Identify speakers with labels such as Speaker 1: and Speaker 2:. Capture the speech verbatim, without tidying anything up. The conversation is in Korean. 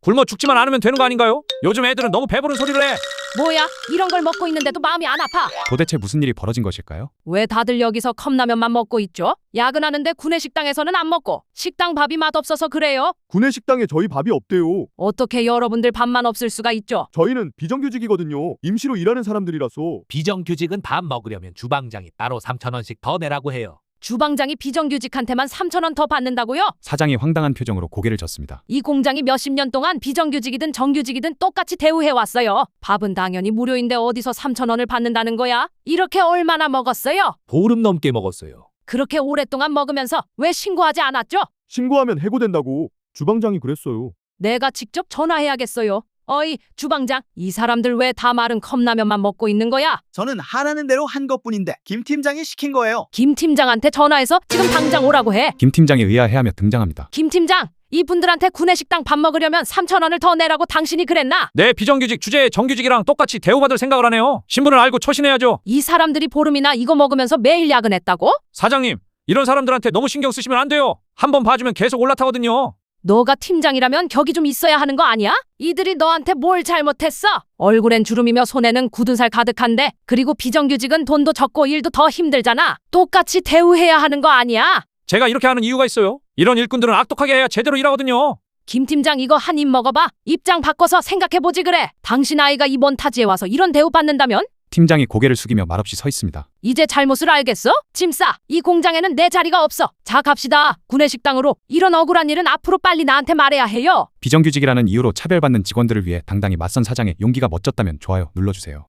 Speaker 1: 굶어 죽지만 않으면 되는 거 아닌가요? 요즘 애들은 너무 배부른 소리를 해.
Speaker 2: 뭐야? 이런 걸 먹고 있는데도 마음이 안 아파.
Speaker 3: 도대체 무슨 일이 벌어진 것일까요?
Speaker 2: 왜 다들 여기서 컵라면만 먹고 있죠? 야근하는데 구내식당에서는 안 먹고 식당 밥이 맛없어서 그래요?
Speaker 4: 구내식당에 저희 밥이 없대요.
Speaker 2: 어떻게 여러분들 밥만 없을 수가 있죠?
Speaker 4: 저희는 비정규직이거든요. 임시로 일하는 사람들이라서.
Speaker 5: 비정규직은 밥 먹으려면 주방장이 따로 삼천 원씩 더 내라고 해요.
Speaker 2: 주방장이 비정규직한테만 삼천 원 더 받는다고요?
Speaker 3: 사장이 황당한 표정으로 고개를 젓습니다.
Speaker 2: 이 공장이 몇십 년 동안 비정규직이든 정규직이든 똑같이 대우해왔어요. 밥은 당연히 무료인데 어디서 삼천 원을 받는다는 거야? 이렇게 얼마나 먹었어요?
Speaker 5: 보름 넘게 먹었어요.
Speaker 2: 그렇게 오랫동안 먹으면서 왜 신고하지 않았죠?
Speaker 4: 신고하면 해고된다고 주방장이 그랬어요.
Speaker 2: 내가 직접 전화해야겠어요. 어이, 주방장, 이 사람들 왜 다 마른 컵라면만 먹고 있는 거야?
Speaker 6: 저는 하라는 대로 한 것뿐인데 김 팀장이 시킨 거예요.
Speaker 2: 김 팀장한테 전화해서 지금 당장 오라고 해.
Speaker 3: 김 팀장이 의아해하며 등장합니다.
Speaker 2: 김 팀장, 이분들한테 구내식당 밥 먹으려면 삼천 원을 더 내라고 당신이 그랬나?
Speaker 1: 내 비정규직 주제에 정규직이랑 똑같이 대우받을 생각을 하네요. 신분을 알고 처신해야죠.
Speaker 2: 이 사람들이 보름이나 이거 먹으면서 매일 야근했다고?
Speaker 1: 사장님, 이런 사람들한테 너무 신경 쓰시면 안 돼요. 한번 봐주면 계속 올라타거든요.
Speaker 2: 너가 팀장이라면 격이 좀 있어야 하는 거 아니야? 이들이 너한테 뭘 잘못했어? 얼굴엔 주름이며 손에는 굳은 살 가득한데, 그리고 비정규직은 돈도 적고 일도 더 힘들잖아. 똑같이 대우해야 하는 거 아니야?
Speaker 1: 제가 이렇게 하는 이유가 있어요. 이런 일꾼들은 악독하게 해야 제대로 일하거든요.
Speaker 2: 김 팀장, 이거 한 입 먹어봐. 입장 바꿔서 생각해보지 그래. 당신 아이가 이번 타지에 와서 이런 대우 받는다면?
Speaker 3: 팀장이 고개를 숙이며 말없이 서 있습니다.
Speaker 2: 이제 잘못을 알겠어? 짐 싸. 이 공장에는 내 자리가 없어. 자, 갑시다. 구내식당으로. 이런 억울한 일은 앞으로 빨리 나한테 말해야 해요.
Speaker 3: 비정규직이라는 이유로 차별받는 직원들을 위해 당당히 맞선 사장의 용기가 멋졌다면 좋아요 눌러주세요.